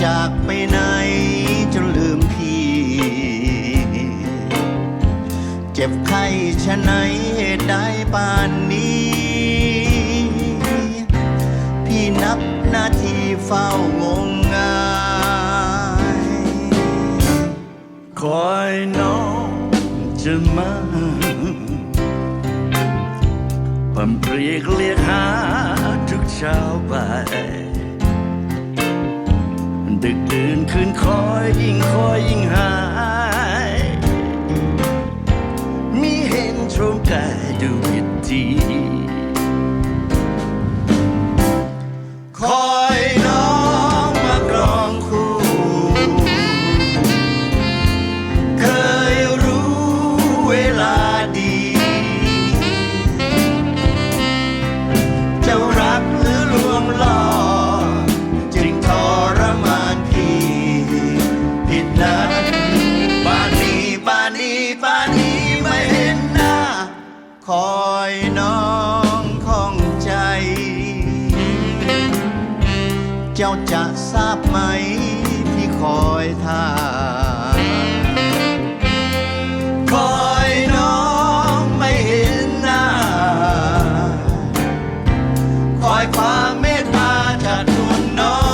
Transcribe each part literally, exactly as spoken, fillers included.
จากไปไหนจนลืมพี่เจ็บไข้ชะไหนเหตุใดป่านนี้พี่นับนาทีเฝ้างมงายคอยน้องจะมาความเรียกเรียกหาทุกเช้าบ่ายดึกดื่นคืนคอยยิ่งคอยยิ่งหายมีเห็นตรงกายดูผิดทีคอยน้องมากรองคู่เคยรู้เวลาดีเจ้ารักหรือลวงล่อจึงทรมานพี่ผิดนัดป่านนี้ป่านนี้ป่านนี้ไม่เห็นหน้าคอยน้องข้องใจเจ้าจะทราบไหมพี่คอยท่าคอยน้องไม่เห็นหน้าคอยความเมตตาจากดวงน้อง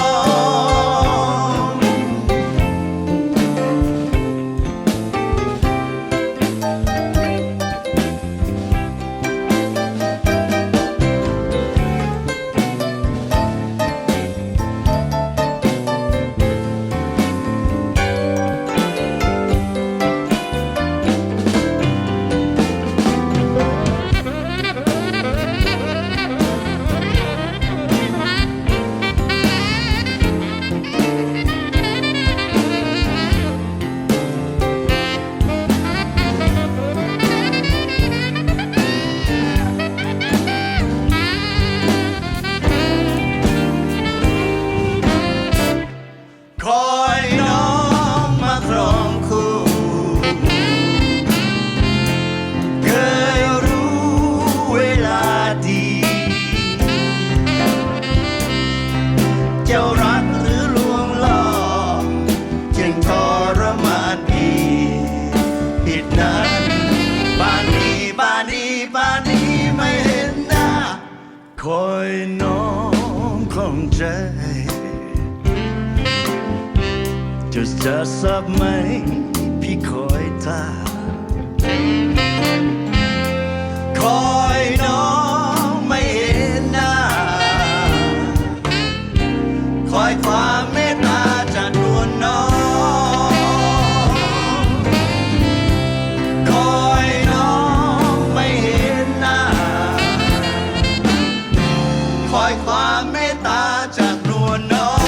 คอยน้องมาครองคู่เคยรู้เวลาดีเจ้ารักหรือลวงล่อจึงทรมานพี่ผิดนัดป่านนี้ป่านนี้ป่านนี้ไม่เห็นหน้าคอยน้องของใจจะจะทราบไหมพี่คอยท่าคอยน้องไม่เห็นหน้าคอยความเมตตาจากดวงน้องคอยน้องไม่เห็นหน้าคอยความเมตตาจากดวงน้อง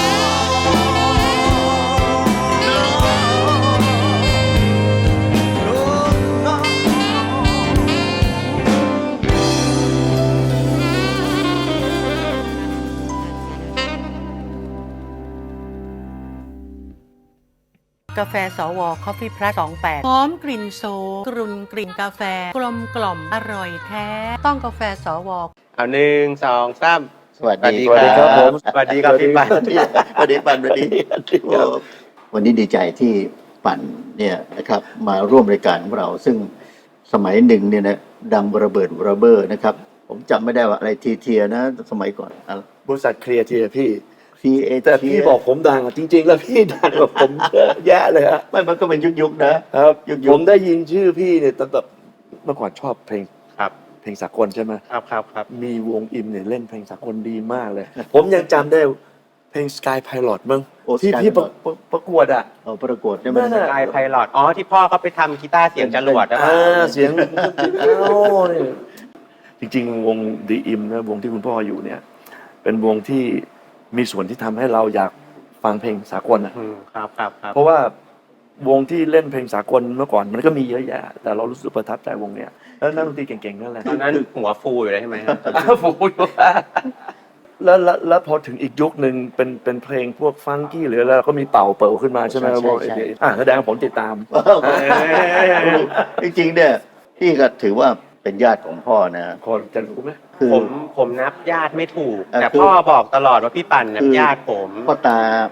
กาแฟสวคอฟฟี่พลัสสองแปดหอมกลิ่นโซกรุ่นกลิ่นกาแฟกลมกล่อมอร่อยแท้ต้องกาแฟสวเอาหนึ่งสองสามสวัสดีสวัสดีครับผมสวัสดีครับพี่ปันสวัสดีปันสวัสดีวันนี้ดีใจที่ปันเนี่ยนะครับมาร่วมรายการของเราซึ่งสมัยหนึ่งเนี่ยนะดังระเบิดระเบ้อนะครับผมจำไม่ได้ว่าอะไรทีเทียนะสมัยก่อนบริษัทเคลียร์ทีพี่ทีเอแต่พี่บอกผมดังอ่ะจริงๆแล้วพี่ดังกว่าผมเยอะแยะเลยฮะไม่มันก็เป็นยุคๆนะครับยุคผมได้ยินชื่อพี่เนี่ยตั้งแต่เมื่อก่อนชอบเพลงครับเพลงสากลใช่ไหมครับครับครับมีวงอิมเนี่ยเล่นเพลงสากลดีมากเลย ผมยังจำได้เพลง Sky Pilot มั้งที่พี่ประประกวดอ่ะเอาประกวดได้ไหมสกายไพลอตอ๋อที่พ่อเขาไปทำกีตาร์เสียงจรวดนะอ่าเสียงเอ้าเนี่ยจริงๆวง The Im นะวงที่คุณพ่ออยู่เนี่ยเป็นวงที่มีส่วนที่ทำให้เราอยากฟังเพลงสากลอ่ะครับครับครับเพราะว่าวงที่เล่นเพลงสากลเมื่อก่อนมันก็มีเยอะแยะแต่เรารู้สึกประทับใจวงเนี้ยแล้วนักดนตรีเก่งๆนั่นแหละตอนนั้นหัวฟูอยู่เลยใช่ไหมครับฟูอยู่แล้วแล้วพอถึงอีกยุคหนึ่งเป็นเป็นเพลงพวกฟังกี้หรือแล้วก็มีเป่าเปิลขึ้นมาใช่ไหมวงอ่าแสดงผมติดตามจริงๆเนี่ยพี่ก็ถือว่าเป็นญาติของพ่อนะคนจะรู้ไหมผมผมนับญาติไม่ถูกแต่พ่อบอกตลอดว่าพี่ปั่นนับญาติผมพ่อตา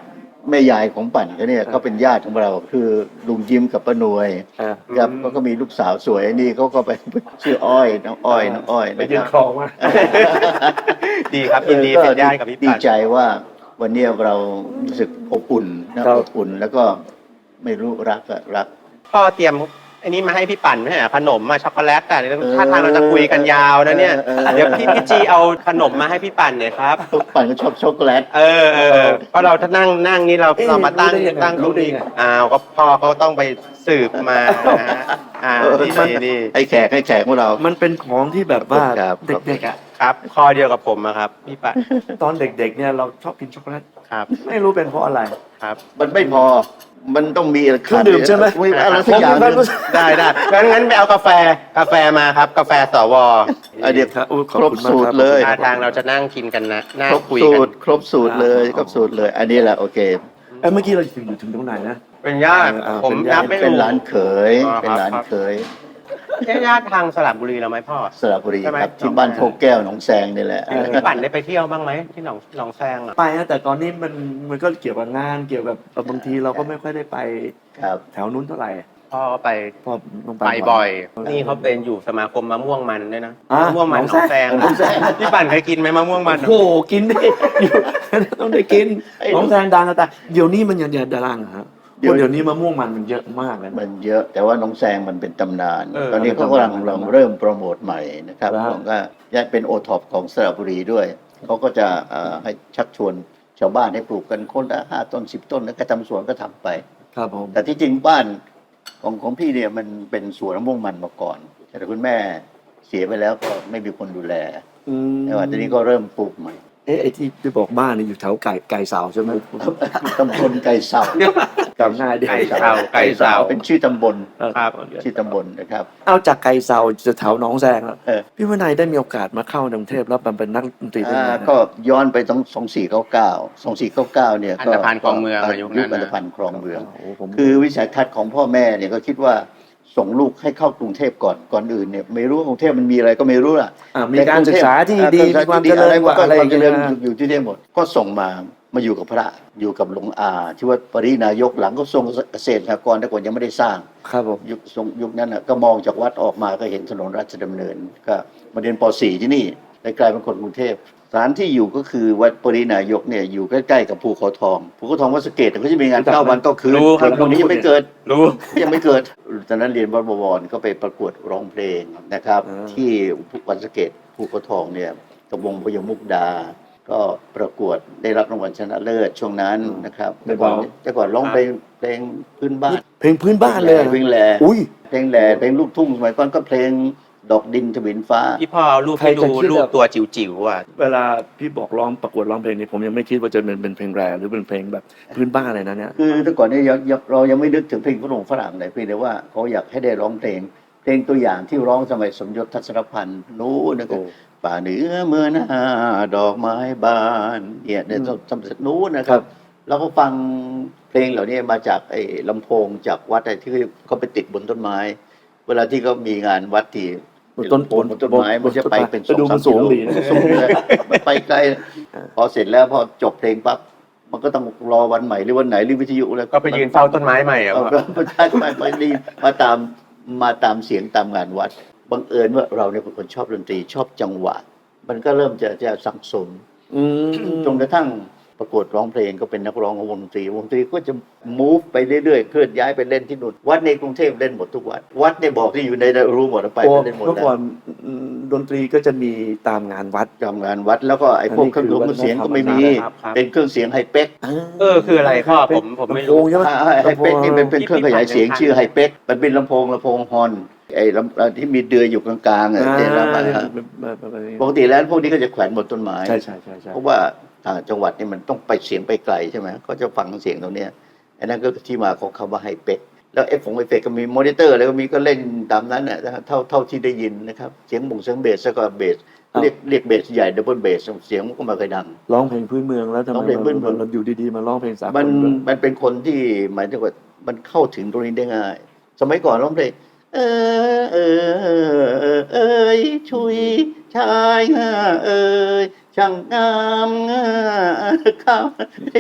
แม่ยายของปั่นเขาเนี่ยเขาเป็นญาติของเราคือลุงยิ้มกับป้านวยอ่าครับเขาก็มีลูกสาวสวยนี่เขาก็ไปชื่ออ้อยน้องอ้อยน้องอ้อยไปนะยืคน รับคลองมาดีครับยินดีเป็นญาติกับพี่ดีปั่นใจว่าวันนี้เรารู้สึกอบอุ่นนะอบอุ่นแล้วก็ไม่รู้รักอะรักพ่อเตรียมอันนี้มาให้พี่ปั่นไหมฮะขนมมาช็อกโกแลตอ่ะถ้าทางเราจะคุยกันยาวนะเนี่ยเออเออเดี๋ยวพี่พี่จีเอาขนมมาให้พี่ปั่นหน่อยครับทุกปั่นก็ชอบช็อกโกแลตเออเออเพราะเราถ้านั่งนั่งนี่เราเอ๊ะเรามาตั้งรู้ได้ยังไงตั้งรู้ได้ยังไงอ้าวก็พ่อเขาต้องไปสืบมานะฮะอ่าเออนี่นี่นี่ให้แขกให้แขกของเรามันเป็นของที่แบบว่าครับเด็กๆอ่ะครับคอเดียวกับผมอะครับพี่ปั่นตอนเด็กๆเนี่ยเราชอบกินช็อกโกแลตครับไม่รู้เป็นเพราะอะไรครับมันไม่พอ มันต้องมีเครื่องดื่มใช่ไหมอะไรสักอย่างหนึ่งได้ได้งั้นงั้นไปเอากาแฟกาแฟมาครับ กาแฟสวอ่ะเดี๋ยวครับโอ้ขอบครบคุณมากสูตครบเลยท่าทางเราจะนั่งกินกันนะน่าครบคุยสูกันตร ครบสูตรเลย ครบสูตรเลย อันนี้แหละโอเคเอ้ยเมื่อกี้เราถึงอยู่ถึงตรงไหนนะเป็นญาติอ่าผมเป็นญานับติไม่เป็นถูกร้านเขยอ๋อเป็นร้านครับเขยใช่ญาติทางสระบุรีเราไหมพ่อสระบุรีใช่ไหมครับที่บ้านโพแก้วหนองแซงนี่แหละพี่ปั่นได้ไปเที่ยวบ้างไหมที่หนองหนองแซงอะไปนะแต่ตอนนี้มันมันก็เกี่ยวกับงานเกี่ยวกับบางทีเราก็ไม่ค่อยได้ไปครับแถวนู้นเท่าไหร่พ่อไปเพอต้องไปบ่อย นี่เขาเป็นอยู่สมาคมมะม่วงมันด้วยนะอ่ะมะม่วงมันหนองแซงหนองแซงพี่ปั่นเคยกินไหมมะม่วงมันโอ้โหกินดิอยู่ ต้องได้กินน้องแซงดังนะแต่เดี๋ยวนี้มันยังจะดังเหรอครับเดี๋ยวเดี๋ยวนี้มะม่วงมันมันเยอะมากเลยนะมันเยอะ แต่ว่าหน้องแซงมันเป็นตำนานเออตอนนี้เขากำลังเป็นตำนานลองเริ่มโปรโมทใหม่นะครับครับผมก็แยกเป็นโอท็อปของสระบุรีด้วย เขาก็จะเอ่อให้ชักชวนชาวบ้านให้ปลูกกันคนละห้าต้นสิบต้นแล้วก็ทำสวนก็ทำไปครับผมแต่ที่จริงบ้านของของพี่เนี่ยมันเป็นสวนมะม่วงมันมาก่อน แต่คุณแม่เสียไปแล้วก็ไม่มีคนดูแลอืมแต่ว่าตอนนี้ก็เริ่มปลูกใหม่เอ๊ะไอ้ที่ที่บอกบ้านนี่อยู่แถวไก่ไก่เสาใช่ไหมตำบลไก่เสาจำง่ายดีไก่เสาไก่เสาเป็นชื่อตำบลครับชื่อตำบลนะครับเอาจากไก่เสาจะแถวหนองแซงแล้วเออพี่วินัยได้มีโอกาสมาเข้ากรุงเทพแล้วมันเป็นนักดนตรีได้อ่าไงนะก็ย้อนไปต้องสองสี่เก้าเก้าสองสี่เก้าเก้าเนี่ยอันก็ธพาลคลองเมืองอะยุคนั้นนะอันธพาลคลองเมืองโอ้ผมคือวิสัยทัศน์ของพ่อแม่เนี่ยก็คิดว่าส่งลูกให้เข้ากรุงเทพก่อนก่อนอื่นเนี่ยไม่รู้ว่ากรุงเทพมันมีอะไรก็ไม่รู้ล่ะอ่ามีการศึกษาที่ดีแต่มีความกรุงเจเทพริญกว่าอะไรอย่างเจริเงี้ญยอยู่ที่นี่หมด ก็ส่งมามาอยู่กับพระอยู่กับหลวงอาที่วัดปรินายกหลังก็ทรงเกษตรสหกรณ์แต่ก่อนยังไม่ได้สร้างครับผมยุคทรงยุคนั้นน่ะก็มองจากวัดออกมาก็เห็นถนนราชดำเนิน ก็มาเรียนป .สี่ ที่นี่เลยกลายเป็นคนกรุงเทพสถานที่อยู่ก็คือวัดปรินายกเนี่ยอยู่ใกล้ๆกับภูเขาทองภูเขาทองวัดสะเกตเขาจะมีงานเก้าวันก็คืนรู้ครับคนนี้ยังไม่เกิดรู้ยังไม่เกิดตอนนั้นเรียนวัดบวรก็ไปประกวดร้องเพลงนะครับอ่าที่วัดสะเกตภูเขาทองเนี่ยกับวงพยมุกดา ก็ประกวดได้รับรางวัลชนะเลิศช่วงนั้นนะครับแต่ก่อนแต่ก่อนร้องเพลงเพลงพื้นบ้านเพลงพื้นบ้านเลยอะเพลงแหล่อุ้ยเพลงแหล่เพลงลูกทุ่งสมัยก่อนก็เพลงดอกดินทวินฟ้าพี่พ่อเอารูปใครให้จะดูคิดรูปอะตัวจิ๋วๆอ่ะเวลาพี่บอกร้องประกวดร้องเพลงนี้ผมยังไม่คิดว่าจะเป็นเป็นเพลงแรหรือเป็นเพลงแบบพื้นบ้านอะไรนะเนี่ยคือแต่ก่อนเนี่ยยังยังเรายังไม่นึกถึงเพลงฝรั่งฝรั่งเลยเพียงแต่ว่าเขาอยากให้ได้ร้องเพลง เพลงตัวอย่างที่ร้องสมัยสมยศทัศนพันธ์นู้นนะครับโอ้ป่าเหนือเมื่อหน้าดอกไม้บานเนี่ยในสมัยนู้นนะครับ เราก็ฟังเพลงเหล่านี้มาจากไอ้ลำโพงจากวัดไอ้ที่เขาไปติดบนต้นไม้ เวลาที่เขามีงานวัดที่บนต้นบนต้นไม้มันจะไปเป็นไปดูมันสูงดีนะสูงเลยมันไปไกลพอเสร็จแล้วพอจบเพลงปั๊บมันก็ต้องรอวันใหม่หรือวันไหนหรือวิทยุแล้วก็ไปยืนเฝ้าต้นไม้ใหม่อ่ะเอาก็มาใช่ไปไปรีบมาตามมาตามเสียงตามงานวัดบังเอิญว่าเราเนี่ยเป็นคนชอบดนตรีชอบจังหวะ มันก็เริ่มจะจะสังสมอืมจนกระทั่งประกวดร้องเพลงก็เป็นนักร้องของวงดนตรีวงดนตรีก็จะ move ไปเรื่อยๆเคลื่อนย้ายไปเล่นที่นู่นวัดในกรุงเทพเล่นหมดทุกวัดวัดในบอกที่อยู่ในรู้หมดไปโอ้เล่นหมดเมื่อแล้วก่อนอืมดนตรีก็จะมีตามงานวัดทำงานวัดแล้วก็ไอ้พวกเครื่องดนตรีเสียงก็ไม่มีครับครับเป็นเครื่องเสียงไฮเป็กเออคืออะไรพ่อผมผมไม่รู้ลำโพงใช่ไหมไฮเป็กนี่เป็นเป็นเครื่องขยายเสียงชื่อไฮเป็กมันเป็นลำโพงลำโพงฮอนไอ้ลำที่มีเดือยอยู่กลางๆอ่ะอ่าเดี๋ยวเรามาปกติแล้วพวกนี้ก็จะแขวนบนต้นไม้ใช่ใช่ใช่ใช่เพราะว่าทางจังหวัดนี่มันต้องไปเสียงไปไกลใช่ไหมเขาจะฟังเสียงตรงเนี้ยอันนั้นก็คือที่มาของคำว่าไฮเป็กแล้วเอฟของไฮเป็กก็มีมอนิเตอร์แล้วก็มีก็เล่นตามนั้นน่ะเท่าเท่าที่ได้ยินนะครับเสียงบ่งเสียงเบสแล้วก็เบสเรียกเรียกเบสใหญ่ดับเบิลเบสเสียงมันก็ไมาเคยดังร้องเพลงพื้นเมืองแล้วทำร้ไมองเพลงพื้นเมืองเราอยู่ดีๆมาร้องเพลงสากลมันด้วยมันเป็นคนที่หมายถึงว่ามันเข้าถึงตรงนี้ได้ง่าย สมัยก่อนร้องเพลงเออเออเออเออเอยชุยชายงาเอยช่างงามงาข้าว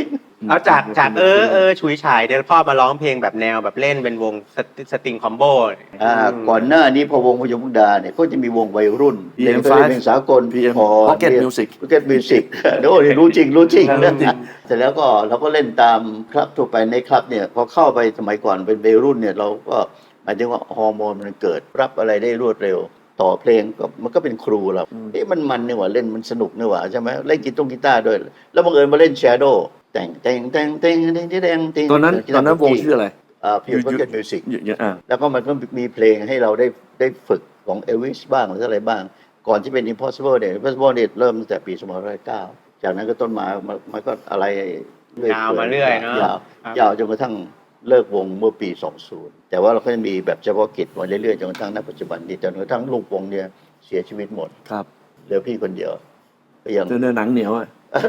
เอาจากจากเออเออฉุยฉายเดี๋ยวพ่อมาร้องเพลงแบบแนวแบบเล่นเป็นวงสตสตริงคอมโบอ่าก่อนหน้านี้พอวงพยมุกดาเนี่ยก็จะมีวงวัยรุ่นพี เอ็มเพไฟว์ลงสากลพี เอ็มพอ Pocket Music Pocket Music โอ้ยรู้จริงรู้จริงรู้นะจริงเสร็จแล้วก็เราก็เล่นตามคลับทั่วไปในคลับเนี่ยพอเข้าไปสมัยก่อนเป็นวัยรุ่นเนี่ยเราก็หมายถึงว่าฮอร์โมนมันเกิดรับอะไรได้รวดเร็ว ต่อเพลงก็มันก็เป็นครูเราเอ๊ะมันมันนี่หว่าเล่นมันสนุกนี่หว่าใช่ไหมเล่นกีตงกีตาร์ด้วย แล้วบังเอิญมาเล่นแชโดว์แต่งแต่งแต่งแต่งแต่งแต่งแต่งแต่งตอนนั้นตอนนั้นวงชื่ออะไรอ่าพีเอ็ม Pocket Music อ่าแล้วก็มันก็มีเพลงให้เราได้ได้ฝึกของเอลวิสบ้างหรืออะไรบ้าง ก่อนที่เป็น Impossible เนี่ย Impossible เนี่ยเริ่มตั้งแต่ปีสองพันห้าร้อยเก้าจากนั้นก็ต้นมามันมันก็อะไรเรื่อยยาวมาเรื่อยเนอะยาวครับยาวจนกระทั่งเลิกวงเมื่อปี สองพัน แต่ว่าเราก็จะมีแบบเฉพาะกิจมาเรื่อยๆจนกระทั่งณปัจจุบันนี้จนกระทั่งลูกวงเนี่ยเสียชีวิตหมดครับเหลือพี่คนเดียวก็ยังเนื้อหนังเหนียวอ่ะ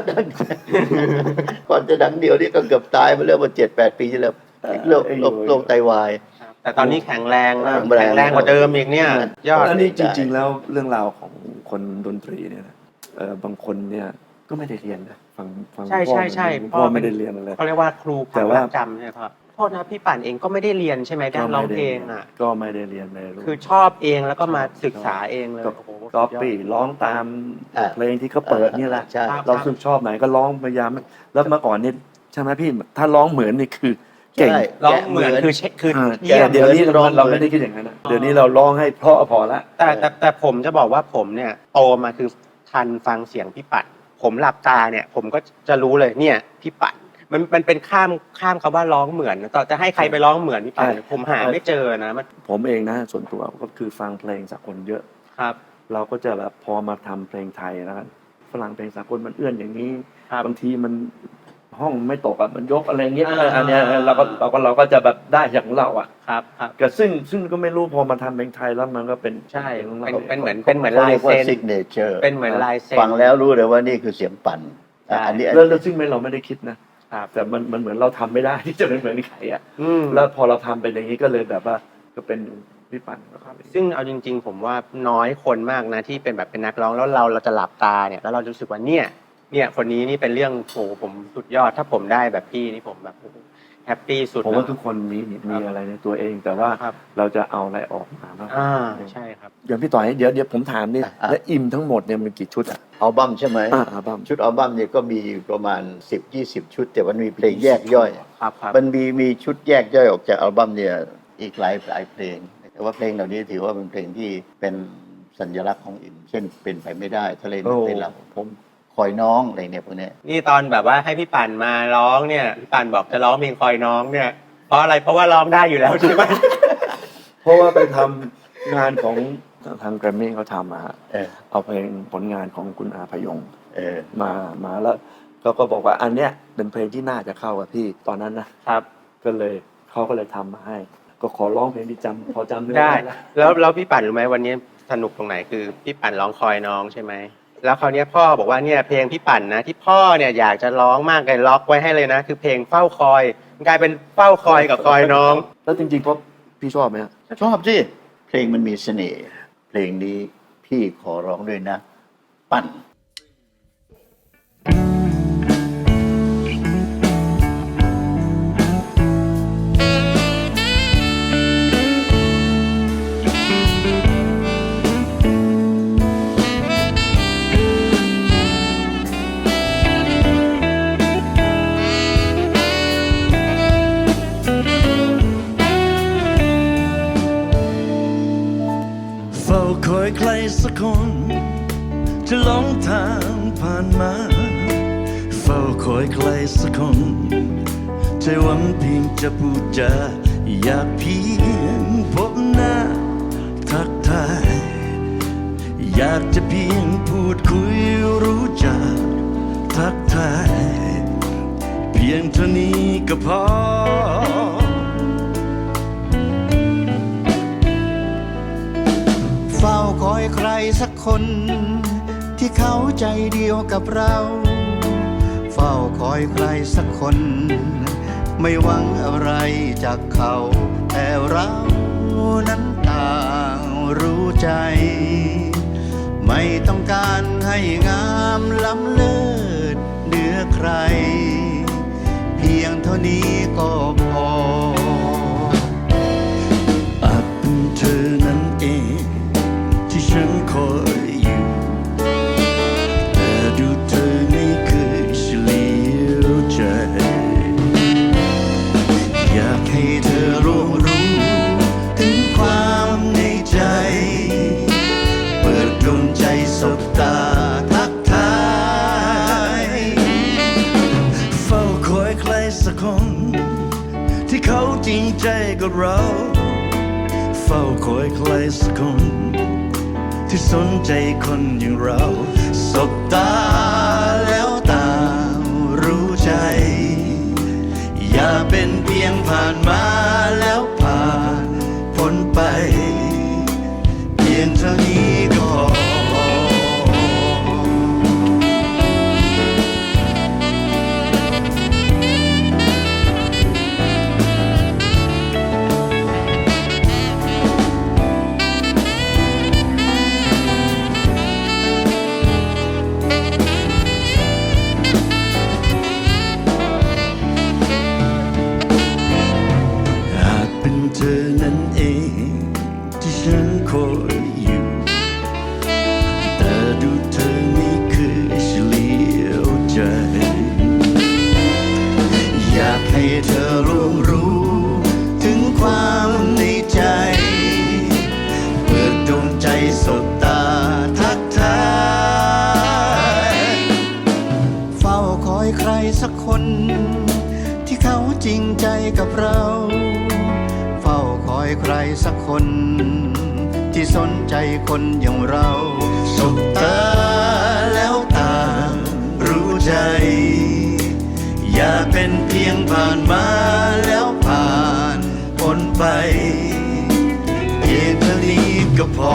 ก่อนจะดังเดียวนี่ก็เกือบตายมาแล้วมาเจ็ดแปดปีที่แล้วโรคโรคโรคไตวายแต่ตอนนี้แข็งแรงนะแข็งแรงแข็งแรงกว่าเดิมอีกเนี่ยยอดอันนี้จริง ๆ แล้วเรื่องราวของคนดนตรีเนี่ยนะเออบางคนเนี่ยก็ไม่ได้เรียนนะฟังฟังใช่พ่อใช่ใช่พ่อไม่ได้เรียนอะไรเขาเรียกว่าครูคแต่วามว่ารักจำใช่ไหมครับโทษนะพี่ป่านเองก็ไม่ได้เรียนใช่ไหมด้านร้องเพลงอ่ะก็ไม่ได้เรียนเลยคือชอบเองแล้วก็มาศึกษาเองเลยก็โอ้โหก๊อปปี้ร้องตามอ่าเพลงที่เขาเปิดนี่แหละใช่เราซึ่งชอบไหนก็ร้องพยายามแล้วเมื่อก่อนเนี่ยใช่ไหมพี่ถ้าร้องเหมือนนี่คือเก่งใช่ร้องเหมือนคือเช็คคืออ่าเยี่ยมแต่เดี๋ยวนี้ร้เราองเหมือนเราไม่ได้คิดอย่างนั้นนะเดี๋ยวนี้เราร้องให้เพราะพอละแต่แต่แต่ผมจะบอกว่าผมเนี่ยโตมาคือทันฟังเสียงพี่ปัดผมหลับตาเนี่ย ผมก็จะรู้เลยเนี่ยพี่ปัดมันมันเป็นข้ามข้ามคำว่าร้องเหมือนต่อจะให้ใครไปร้องเหมือนพี่ปัดผมหาไม่เจอนะมันผมเองนะส่วนตัวก็คือฟังเพลงสากลเยอะครับเราก็จะแบบพอมาทำเพลงไทยแล้วกันฝรั่งเพลงสากลมันเอื้อนอย่างนี้ครับบางทีมันห้องไม่ตกอ่ะมันยกอะไรเงี้ยอ่าอันเนี้ยเราก็เราก็เราก็จะแบบได้อย่างของเราอ่ะครับครับก็ซึ่งซึ่งก็ไม่รู้พอมาทำเพลงไทยแล้วมันก็เป็นใช่ของเราเป็นเป็นเหมือนเป็นเหมือนเขาลายเรียกว่าเซ็นซิกเนเจอร์เป็นเหมือนลายเซ็นฟังแล้วรู้เลยว่านี่คือเสียงปั่นใช่อันนี้แล้วแล้วซึ่งไม่เราไม่ได้คิดนะครับ แต่มันมันเหมือนเราทำไม่ได้ ที่จะเป็นเหมือนใครอ่ะอืมแล้วพอเราทำไปอย่างนี้ก็เลยแบบว่าก็เป็นพี่ปั่นครับซึ่งเอาจริง ๆ ผมว่าน้อยคนมากนะที่เป็นแบบเป็นนักร้องแล้วเราเราจะหลับตาเนี่ยแล้วเราจะรู้สึกว่าเนี่ยเนี่ยคนนี้นี่เป็นเรื่องโหผมสุดยอดถ้าผมได้แบบพี่นี่ผมแบบแฮปปี้สุดผมว่านะทุกคนมีมีอะไรในตัวเอง แต่ว่าครับเราจะเอาอะไรออกมาบ้างอ่าใช่ครับอย่างพี่ต่อยเดี๋ยวเดี๋ยวผมถามนี่แล้วอิมทั้งหมดเนี่ยมันกี่ชุดอ่ะอัลบั้มใช่ไหมอ่าอัลบั้มชุดอัลบั้มเนี่ยก็มีประมาณ สิบถึงยี่สิบ ชุด แต่มันมีเพลงแยกย่อยครับครับมันมีมีชุดแยกย่อยออกจากอัลบั้มเนี่ยอีกหลายหลายเพลง แต่ว่าเพลงเหล่านี้ถือว่าเป็นเพลงที่เป็นสัญลักษณ์ของอิมเช่นเป็นไปไม่ได้ทะเลโอ้ในเราผมคอยน้องอะไรเนี่ยพวกเนี้ยนี่ตอนแบบว่าให้พี่ปั่นมาร้องเนี่ยพี่ปั่นบอกจะร้องเพลงคอยน้องเนี่ยเพราะอะไรเพราะว่าร้องได้อยู่แล้วใช่ไหมเพราะว่าไปทำงานของทางแกรมมี่เขาทำมาฮะเออเอาเพลงผลงานของคุณอาพยงค์เออมามาแล้วเขาก็บอกว่าอันเนี้ยเป็นเพลงที่น่าจะเข้ากับพี่ตอนนั้นนะครับ ก็เลยเขาก็เลยทำมาให้ ก็ขอร้องเพลงที่จำพอจำเนื้อได้แล้วแล้วแล้วพี่ปั่นรู้ไหมวันนี้สนุกตรงไหนคือพี่ปั่นร้องคอยน้องใช่ไหมแล้วคราวนี้พ่อบอกว่าเนี่ยเพลงพี่ปั่นนะที่พ่อเนี่ยอยากจะร้องมากเลยล็อกไว้ให้เลยนะ คือเพลงเฝ้าคอยมันกลายเป็นเฝ้าคอยกับคอยน้องแล้วจริงๆเพราะพี่ชอบไหมฮะชอบสิเพลงมันมีเสน่ห์เพลงนี้พี่ขอร้องด้วยนะ ปั่นเฝ้าคอยใครสักคนจะหลงทางผ่านมา เฝ้าคอยใครสักคนใจหวังเพียงจะพูดจาอยากเพียงพบหน้าทักทาย อยากจะเพียงพูดคุยรู้จักทักทาย เพียงเท่านี้ก็พอเฝ้าคอยใครสักคนที่เขาใจเดียวกับเรา เฝ้าคอยใครสักคน ไม่หวังอะไรจากเขา แต่เรานั้นต่างรู้ใจ ไม่ต้องการให้งามล้ำเลิศเหนือใคร เพียงเท่านี้ก็พออาจเป็นเธอนั้นเองที่ฉันคอยอยู่แต่ดูเธอไม่เคยเฉลียวใจอยากให้เธอรู้รู้ถึงความในใจเปิดดวงใจสบตาทักทายเฝ้าคอยใครสักคนที่เขาจริงใจกับเราเฝ้าคอยใครสักคนที่สนใจคนอย่างเราสบตาแล้วตารู้ใจอย่าเป็นเพียงผ่านมาแล้วผ่านพ้นไปเพียงเท่านี้ก็พออาจเป็นเธอนั้นเองที่ฉันคอยอยู่แต่ดูเธอไม่เคยเฉลียวใจอยากให้เธอรู้รู้ถึงความในใจเปิดดวงใจสบตาทักทายเฝ้าคอยใครสักคนที่เขาจริงใจกับเราเฝ้าคอยใครสักคนที่สนใจคนอย่างเราสบตาแล้วตารู้ใจอย่าเป็นเพียงผ่านมาแล้วผ่านพ้นไปเพียงเท่านี้ก็พอ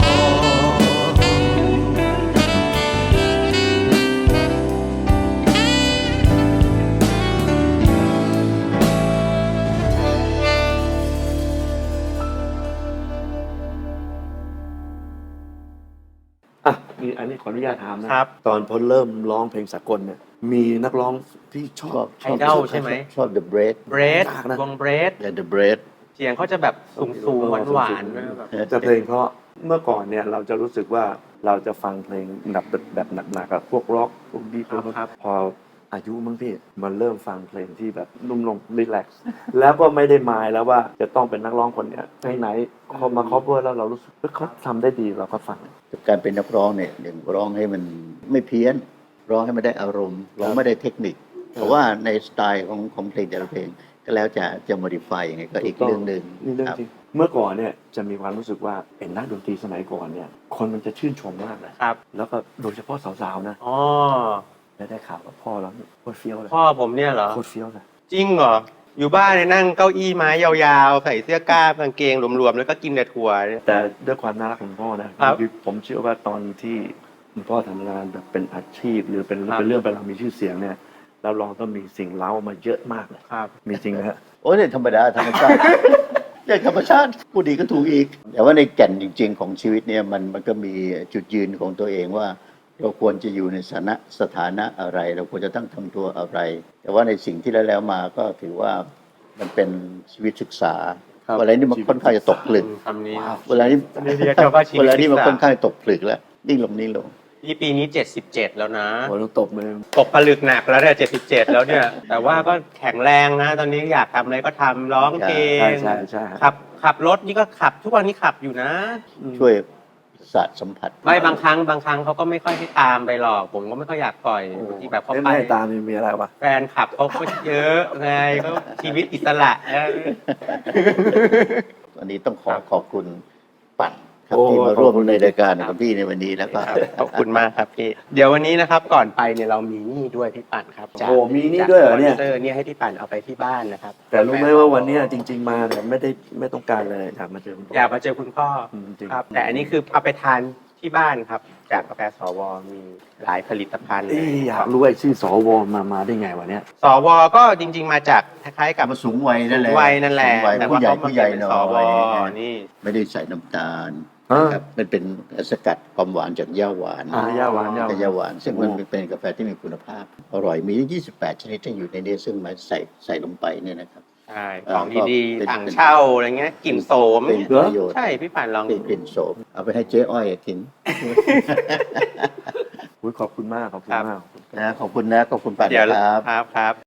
อ่ะนี่อันนี้ขออนุญาตถามนะครับ ตอนพอเริ่มร้องเพลงสากลเนี่ยมีนักร้องที่ชอบไอดอลใช่ไหมชอบ The Bread เบรดยากนะวงเบรดและ The Bread เสียงเขาจะแบบสูงสูงหวานหวานๆด้วยแบบแต่เพลงเพราะเมื่อก่อนเนี่ยเราจะรู้สึกว่าเราจะฟังเพลงแบบแบบหนักๆกับพวกร็อกพวกดีพวกครับพออายุมั้งพี่มันเริ่มฟังเพลงที่แบบนุ่มลงรีแลกซ์แล้วก็ไม่ได้หมายแล้วว่าจะต้องเป็นนักร้องคนเนี้ยไหนๆเขามาคอฟเวอร์แล้วเรารู้สึกว่าเขาทำได้ดีเราก็ฟังการเป็นนักร้องเนี่ยหนึ่งร้องให้มันไม่เพี้ยน ร้องให้มันได้อารมณ์ร้องไม่ได้เทคนิคเพราะว่าในสไตล์ของของเพลงแต่ละเพลงก็แล้วจะจะ modify ยังไงก็อีกเรื่องหนึ่งนี่เรื่องครับจริงเมื่อก่อนเนี่ยจะมีความรู้สึกว่าเป็นนักดนตรีสมัยก่อนเนี่ยคนมันจะชื่นชมมากนะครับ แล้วก็โดยเฉพาะสาวๆนะอ๋อแล้วได้ข่าวว่าพ่อเราเนี่ยโคตรเฟี้ยวเลยพ่อผมเนี่ยเหรอโคตรเฟี้ยวเลยจริงเหรอ อยู่บ้านเนี่ยนั่งเก้าอี้ไม้ยาวๆ ใส่เสื้อกล้ามกางเกงรวมๆ แล้วก็กินแต่ถั่วเนี่ยแต่ด้วยความน่ารักของพ่อนะครับ อผมเชื่อว่าตอนที่คุณพ่อทำงานแบบเป็นอาชีพ หรือเป็นครับเป็นเรื่องเป็นราวมีชื่อเสียงเนี่ยเราลองต้องมีสิ่งเล้ามาเยอะมากเลยครับมีจริงนะฮะโอ้ยเนี่ยธรรมดาธรรมชาติ อย่างธรรมชาติพูดดีก็ถูกอีก แต่ว่าในแก่นจริง ๆ ของชีวิตเนี่ยมันมันก็มีจุดยืนของตัวเองว่า เราควรจะอยู่ในสถานะสถานะอะไร เราควรจะต้องทำตัวอะไร แต่ว่าในสิ่งที่แล้วแล้วมาก็ถือว่ามันเป็นชีวิตศึกษาครับเวลานี้มันค่อนข้างจะตกผลึกคำนี้เวลานี้นี่เรียกว่าชีวิตเวลานี้มันศึกษาค่อนข้างตกผลึกแล้วนิ่งลงนิ่งลงนี่ปีนี้เจ็ดสิบเจ็ดแล้วนะโอ้ต้องตบมือตกผลึกหนักแล้วเนี่ยเจ็ดสิบเจ็ดแล้วเนี่ย แต่ว่าก็แข็งแรงนะ ตอนนี้อยากทำอะไรก็ทำร้องเพลงใช่ใช่ใช่ขับขับรถนี่ก็ขับ ทุกวันนี้ขับอยู่นะช่วยศาสตร์สัมผัสไม่บางครั้งบางครั้งเขาก็ไม่ค่อยให้ตามไปหรอก ผมก็ไม่ค่อยอยากปล่อยที่แบบเขาไม่ไปไม่ตามมีมีอะไรวะแฟนขับเขาก็เยอะไงเขาชีวิตอิสระเออวันนี้ต้องขอครับขอบคุณปั่นครับโอ้ที่มาร่วมขอบคุณในรายการกับพี่ในวันนี้แล้วก็ขอบคุณมากครับพี่ เดี๋ยววันนี้นะครับก่อนไปเนี่ยเรามีนี่ด้วยพี่ปั่นครับจากโอ้มีนี่ด้วยเหรอเนี่ยจากสปอนเซอร์เนี่ยให้พี่ปั่นเอาไปที่บ้านนะครับแต่รู้ไหมว่าวันเนี้ยจริง ๆ มาเนี่ยไม่ได้ไม่ต้องการเลยอยากมาเจอคุณพ่ออยากมาเจอคุณพ่ออืมจริงครับ แต่อันนี้คือเอาไปทานที่บ้านครับ จากกาแฟสวมีหลายผลิตภัณฑ์เอ้ยอยากรู้ไอ้ชื่อสวมามาได้ไงวะเนี่ยสวก็จริง ๆ มาจากคล้ายๆกับมาสูงวัยนั่นแหละวัยนั่นแหละสูงวัยแต่ผู้ว่าใหญ่เขามาผู้ใหญ่เป็นหน่สอวย นี่ไม่ได้ใส่น้ำตาลนะครับมันเป็นสกัดความหวานจากหญ้าหวานอ่าย่าหวานย่าหกับวานหญ้าหวาน ซึ่งมันโอ้เป็นกาแฟที่มีคุณภาพ อร่อยมียี่สิบแปดชนิดที่อยู่ในนี้ซึ่งมาใส่ใส่ลงไปเนี่ยนะครับใช่เอ่อของดีเป็นๆถังเช่าอะไรเงี้ยกลิ่นโสมเป็นเนี่ยประโยชน์ใช่พี่ปั่นลองเป็นกลิ่นโสมเอาไปให้เจ๊อ้อยกินอุ๊ยขอบคุณมากขอบคุณมากนะขอบคุณนะขอบคุณปัดเดี๋ยวนะครับครับครับ